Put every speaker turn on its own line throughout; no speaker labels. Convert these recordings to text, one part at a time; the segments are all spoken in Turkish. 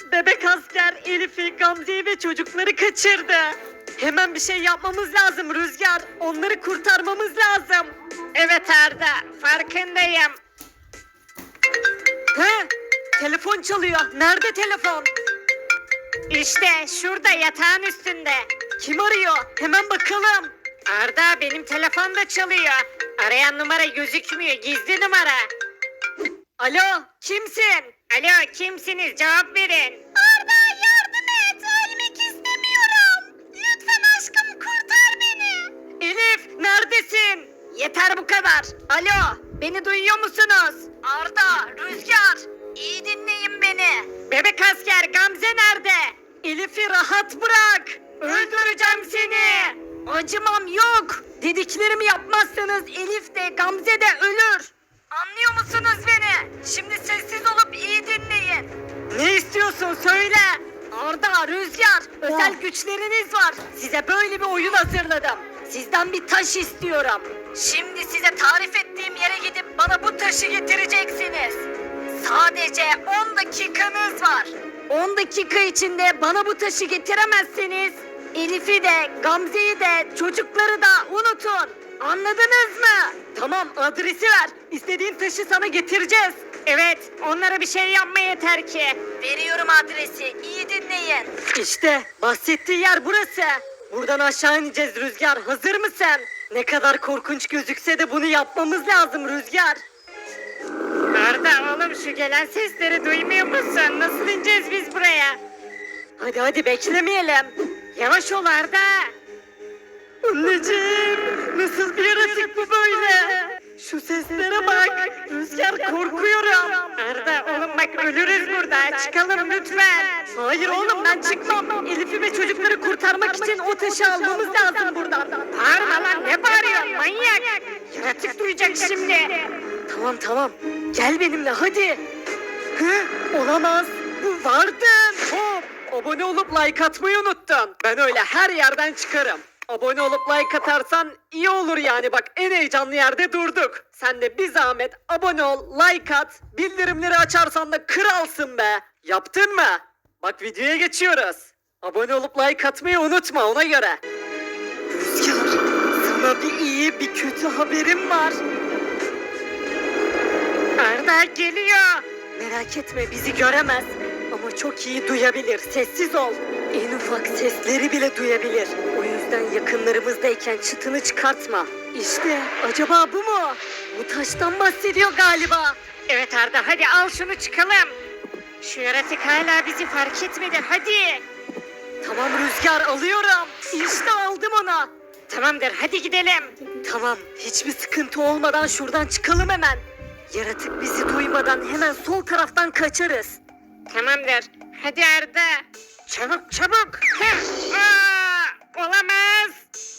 Bebek asker Elif'i, Gamze'yi ve çocukları kaçırdı. Hemen bir şey yapmamız lazım Rüzgar. Onları kurtarmamız lazım. Evet Arda, farkındayım. He? Telefon çalıyor. Nerede telefon? İşte şurada yatağın üstünde. Kim arıyor? Hemen bakalım. Arda, benim telefon da çalıyor. Arayan numara gözükmüyor. Gizli numara. Alo, kimsin? Alo, kimsiniz? Cevap verin. Arda, yardım et. Ölmek istemiyorum. Lütfen aşkım, kurtar beni. Elif, neredesin? Yeter bu kadar. Alo, beni duyuyor musunuz? Arda, Rüzgar, iyi dinleyin beni. Bebek asker Gamze nerede? Elif'i rahat bırak. Öldüreceğim seni. Acımam yok. Dediklerimi yapmazsanız Elif de Gamze de ölür. Anlıyor musunuz beni? Şimdi sessiz olup iyi dinleyin. Ne istiyorsun söyle. Arda, Rüzgar, özel güçleriniz var. Size böyle bir oyun hazırladım. Sizden bir taş istiyorum. Şimdi size tarif ettiğim yere gidip bana bu taşı getireceksiniz. Sadece 10 dakikanız var. 10 dakika içinde bana bu taşı getiremezseniz Elif'i de, Gamze'yi de, çocukları da unutun. Anladınız mı? Tamam, adresi ver. İstediğin taşı sana getireceğiz. Evet, onlara bir şey yapma yeter ki. Veriyorum adresi, iyi dinleyin. İşte bahsettiği yer burası. Buradan aşağı ineceğiz Rüzgar. Hazır mısın? Ne kadar korkunç gözükse de bunu yapmamız lazım Rüzgar. Arda oğlum, şu gelen sesleri duymuyor musun? Nasıl ineceğiz biz buraya? Hadi beklemeyelim. Yavaş ol Arda. Anneciğim, nasıl bir yaratık bu böyle? Şu seslere bak. Rüzgar, korkuyorum. Arda oğlum bak, ölürüz burada. Çıkalım lütfen. Hayır oğlum, ben çıkmam. Elif'i ve çocukları kurtarmak için o taşı almamız lazım buradan. Bağırma lan, ne bağırıyorsun manyak? Yaratık duyacak şimdi. Tamam. Gel benimle hadi. Hı? Olamaz. Bu vardın. Hop. Abone olup like atmayı unuttun. Ben öyle her yerden çıkarım. Abone olup like atarsan iyi olur yani, bak en heyecanlı yerde durduk. Sen de bir zahmet abone ol, like at, bildirimleri açarsan da kralsın be. Yaptın mı? Bak videoya geçiyoruz. Abone olup like atmayı unutma ona göre. Rüzgar, sana bir iyi bir kötü haberim var. Arda geliyor. Merak etme, bizi göremez. Ama çok iyi duyabilir. Sessiz ol. En ufak sesleri bile duyabilir. O yüzden yakınlarımızdayken çıtını çıkartma. İşte acaba bu mu? Bu taştan bahsediyor galiba. Evet Arda, hadi al şunu çıkalım. Şu yaratık hala bizi fark etmedi, hadi. Tamam Rüzgar, alıyorum. İşte aldım onu. Tamamdır, hadi gidelim. Tamam, hiçbir sıkıntı olmadan şuradan çıkalım hemen. Yaratık bizi duymadan hemen sol taraftan kaçarız. Tamamdır. Hadi Arda. Çabuk. Olamaz.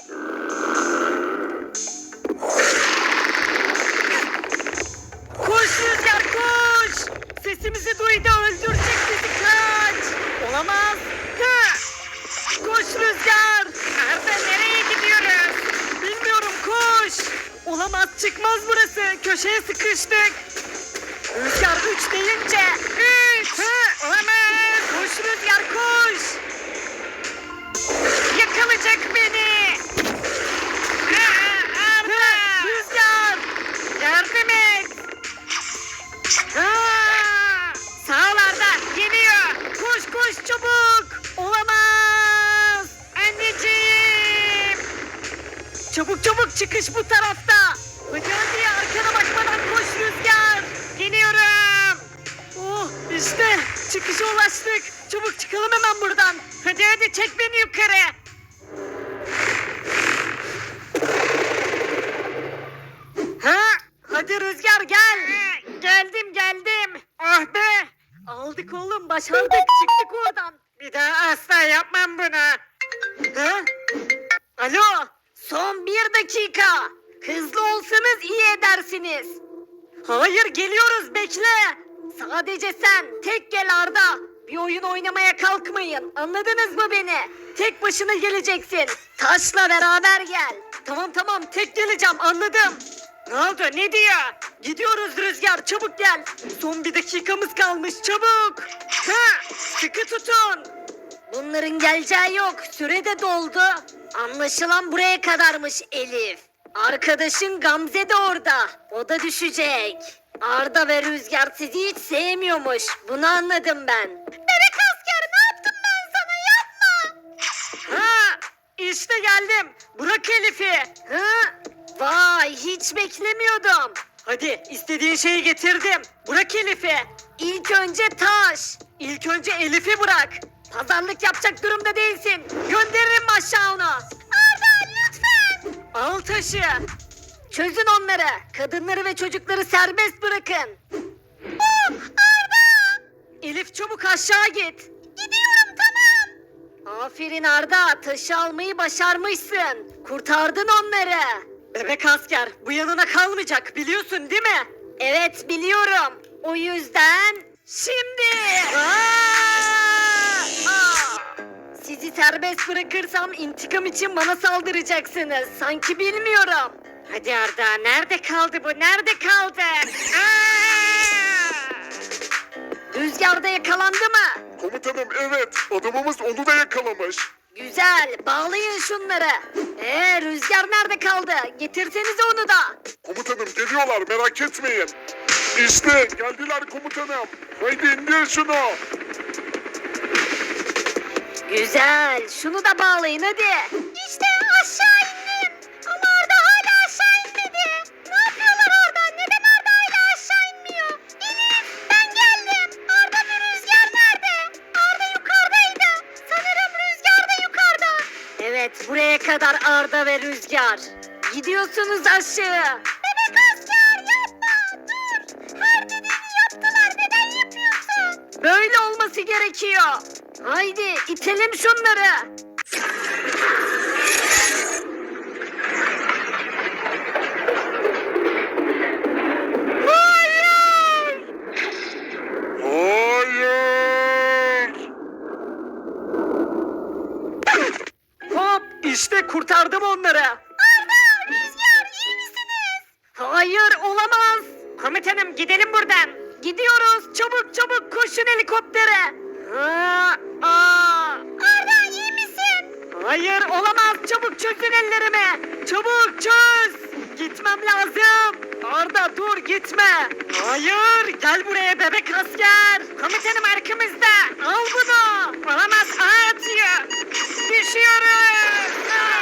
Koş Rüzgar, koş. Sesimizi duydu, öldürecek bizi, kaç. Olamaz. Koş Rüzgar. Arda, nereye gidiyoruz? Bilmiyorum, koş. Olamaz, çıkmaz burası. Köşeye sıkıştık. Rüzgar 3 deyince 3. Olamaz. Koş Rüzgar, koş. Yakalayacak beni. Arda. Rüzgar. Yardım et. Sağ ol Arda. Geliyor. Koş çabuk. Olamaz. Anneciğim. Çabuk çıkış bu tarafta. Hadi arkana bakmadan koş Rüzgar. Geliyorum. Oh, işte çıkışa ulaştık. Çabuk çıkalım hemen buradan. Hadi çek beni yukarı. Hadi Rüzgar gel. Geldim. Oh be. Aldık oğlum, başardık, çıktık oradan. Bir daha asla yapmam bunu. Alo. Son 1 dakika. Hızlı olsanız iyi edersiniz. Hayır, geliyoruz, bekle. Sadece sen tek gel Arda. Bir oyun oynamaya kalkmayın. Anladınız mı beni? Tek başına geleceksin. Taşla beraber gel. Tamam tek geleceğim, anladım. Ne oldu, ne diyor? Gidiyoruz Rüzgar, çabuk gel. Son 1 dakikamız kalmış, çabuk. sıkı tutun. Bunların geleceği yok. Süre de doldu. Anlaşılan buraya kadarmış Elif. Arkadaşın Gamze de orada. O da düşecek. Arda ve Rüzgar sizi hiç sevmiyormuş. Bunu anladım ben. Bebek asker ne yaptım ben sana yapma. Ha işte geldim. Bırak Elif'i. Ha vay hiç beklemiyordum. Hadi istediğin şeyi getirdim. Bırak Elif'i. İlk önce taş. İlk önce Elif'i bırak. Pazarlık yapacak durumda değilsin. Gönderirim aşağı onu. Arda lütfen. Al taşı. Çözün onları. Kadınları ve çocukları serbest bırakın. Oh Arda. Elif çabuk aşağı git. Gidiyorum tamam. Aferin Arda. Taşı almayı başarmışsın. Kurtardın onları. Bebek asker bu yanına kalmayacak biliyorsun değil mi? Evet biliyorum. O yüzden şimdi... Sizi serbest bırakırsam intikam için bana saldıracaksınız. Sanki bilmiyorum. Hadi Arda nerede kaldı bu? Nerede kaldı? Rüzgarda yakalandı mı?
Komutanım evet, adamımız onu da yakalamış.
Güzel bağlayın şunları. Rüzgar nerede kaldı? Getirsenize onu da.
Komutanım geliyorlar, merak etmeyin. İşte geldiler komutanım. Haydi indir şunu.
Güzel. Şunu da bağlayın hadi. İşte aşağı indim. Ama Arda hala aşağı inmedi. Ne yapıyorlar orada? Neden Arda hala aşağı inmiyor? Elif ben geldim. Arda ve Rüzgar nerede? Arda yukarıdaydı. Sanırım Rüzgar da yukarıda. Evet buraya kadar Arda ve Rüzgar. Gidiyorsunuz aşağı. Bebek asker yapma dur. Her dediğini yaptılar neden yapıyorsun? Böyle olması gerekiyor. Haydi itelim şunları. Hayır!
Hayır.
Hop işte kurtardım onları. Arda, Rüzgar iyi misiniz? Hayır olamaz. Komutanım gidelim buradan. Gidiyoruz çabuk çabuk koşun helikoptere. Arda iyi misin? Hayır olamaz çabuk çözün ellerimi. Çabuk çöz. Gitmem lazım. Arda dur gitme. Hayır gel buraya bebek asker. Komutanım arkamızda. Al bunu. Olamaz ağ atıyor. Düşüyoruz.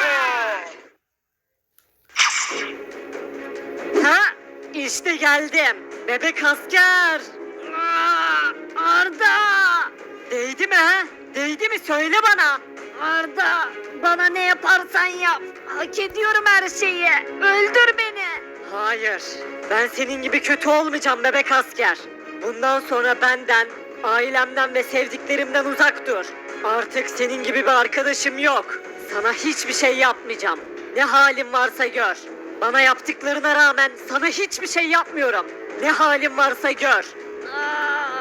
Ha işte geldim. Bebek asker. Arda. Değdi mi ha? Değdi mi söyle bana. Arda bana ne yaparsan yap. Hak ediyorum her şeyi. Öldür beni. Hayır. Ben senin gibi kötü olmayacağım bebek asker. Bundan sonra benden, ailemden ve sevdiklerimden uzak dur. Artık senin gibi bir arkadaşım yok. Sana hiçbir şey yapmayacağım. Ne halin varsa gör. Bana yaptıklarına rağmen sana hiçbir şey yapmıyorum. Ne halin varsa gör.